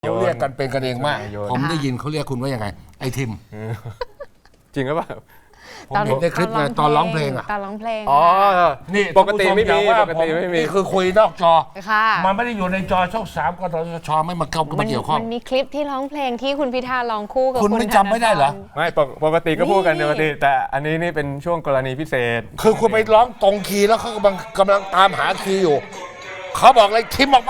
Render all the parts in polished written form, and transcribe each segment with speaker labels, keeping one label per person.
Speaker 1: เขาเรียกกันเป็นกันเองมาก
Speaker 2: โยน
Speaker 1: ผมได้ยินเขาเรียกคุณว่ายังไง ไอ้ทิม
Speaker 2: จริงหรือเปล่า
Speaker 1: ผมเห็นในคลิปไงตอนร้องเพลงอ่ะ
Speaker 3: ตอนร้องเพลง
Speaker 2: อ๋อ
Speaker 1: นี่
Speaker 2: ปกติไม่มี
Speaker 1: ท่านผู้ชอย่าว่า
Speaker 2: ปกติไม่มี
Speaker 1: นี่คือคุยนอกจอ
Speaker 3: ค่ะ
Speaker 1: มันไม่ได้อยู่ในจอช่อง3กสทชไม่มาเกี่ยวข้อง
Speaker 3: มันมีคลิปที่ร้องเพลงที่คุณพิธาร้องคู่กับ
Speaker 1: คุณไม่จำไม่ได้เหรอ
Speaker 2: ไม่ปกติก็พูดกัน
Speaker 3: นี่
Speaker 2: ปกติแต่อันนี้นี่เป็นช่วงกรณีพิเศษ
Speaker 1: คือคุณไปร้องตรงคีย์แล้วเขากำลังตามหาคีย์อยู่ เขาบอกเลยทิมออกไป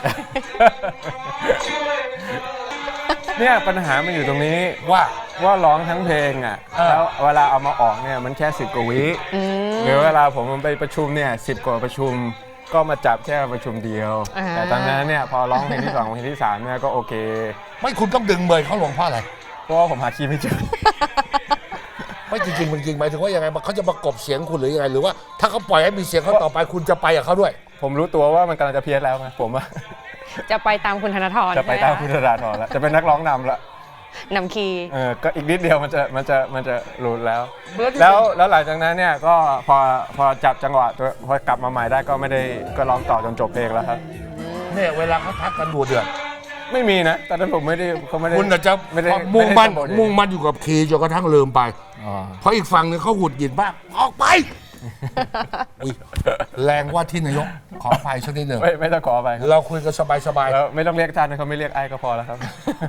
Speaker 2: เนี่ยปัญหามันอยู่ตรงนี้
Speaker 1: ว่า
Speaker 2: ว่าร้องทั้งเพลงอ่ะ
Speaker 1: เออ
Speaker 2: แล้วเวลาเอามาออกเนี่ยมันแค่10กว่าวิหรือเวลาผมไปประชุมเนี่ย10กว่าประชุมก็มาจับแค่ประชุมเดียว แต่ตอนนั้นเนี่ยพอร้องเพลงที่2เพลงที่3เนี่ยก็โอเค
Speaker 1: ไม่คุณต้องดึงเบยเขาลงเพราะอะไร
Speaker 2: เพราะว่าผมหาคีย์ไม่เจอ
Speaker 1: ไม่จริงหมายถึงว่ายังไงเขาจะประกบเสียงคุณหรือยังไงหรือว่าถ้าเขาปล่อยให้มีเสียงเขาต่อไปคุณจะไปกับเขาด้วย
Speaker 2: ผมรู้ตัวว่ามันกำลังจะเพี้ยนแล้วไงผมว่า
Speaker 3: จะไปตามคุณธนาธร
Speaker 2: จะไปตามคุณธนาธรแล้วจะเป็นนักร้องนำละ
Speaker 3: นำคีย์
Speaker 2: ก็อีกนิดเดียวมันจะหลุดแล้ว
Speaker 1: เหมือนที่
Speaker 2: แล้วหลังจากนั้นเนี่ยก็พอจับจังหวะตัวพอกลับมาใหม่ได้ก็ไม่ได้ก็ร้องต่อจนจบเพลงแล้วครับ
Speaker 1: เนี่ยเวลาเขาทักกันดูเดือด
Speaker 2: ไม่มีนะตอนนั้นผมไม่ได้เขาไม่ได้
Speaker 1: คุณอาจจะ
Speaker 2: ไม่ได้
Speaker 1: มุ่งมั่น
Speaker 2: ไได้
Speaker 1: มุ่งมั่นอยู่กับคีย์จนกระทั่งลืมไป
Speaker 2: อ๋อ
Speaker 1: เพราะอีกฝั่งหนึงเขาหงุดหงิดมากออกไป อุ๊ยแรงว่าที่นายกขออภัยสักนิดหนึ่ง
Speaker 2: ไม่ต้องขอไปครับ
Speaker 1: เราคุยกันสบาย
Speaker 2: แล้วไม่ต้องเรียกท่านนะเขาไม่เรียกไอ้ก็พอแล้วครับ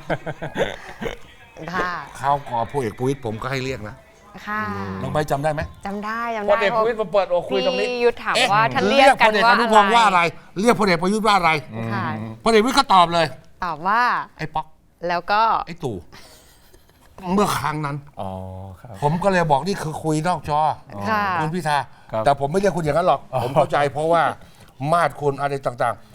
Speaker 3: ค่ะ
Speaker 1: ๆข้าวกอพลเอกประวิตรผมก็ให้เรียกนะ
Speaker 3: ค่ะ
Speaker 1: น้องใบจำได้ไหม
Speaker 3: จำได้
Speaker 1: พลเอกประวิตรมาเปิดโอคุยตรงนี้
Speaker 3: พี่ยุทธถาม
Speaker 1: เอ๊ะ
Speaker 3: ว่าท่านเรียกกัน
Speaker 1: พลเอก
Speaker 3: ว่า
Speaker 1: อนุพงศ์ว่าอะไร เรียกพลเอกประยุทธ์ว่าอะไร
Speaker 3: ค่ะ
Speaker 1: พลเอกประวิตรก็ตอบเลย
Speaker 3: ตอบว่า
Speaker 1: ไอ้ป๊อก
Speaker 3: แล้วก็
Speaker 1: ไอ้ตู่เมื่อครั้งนั้น
Speaker 2: อ๋อครับ
Speaker 1: ผมก็เลยบอกนี่คือคุยนอกจอ
Speaker 3: ค่ะ
Speaker 1: คุณพิธา
Speaker 2: ครับ
Speaker 1: แต่ผมไม่เรียกคุณอย่างนั้นหรอก ผมเข้าใจเพราะว่ามาดคุณอะไรต่าง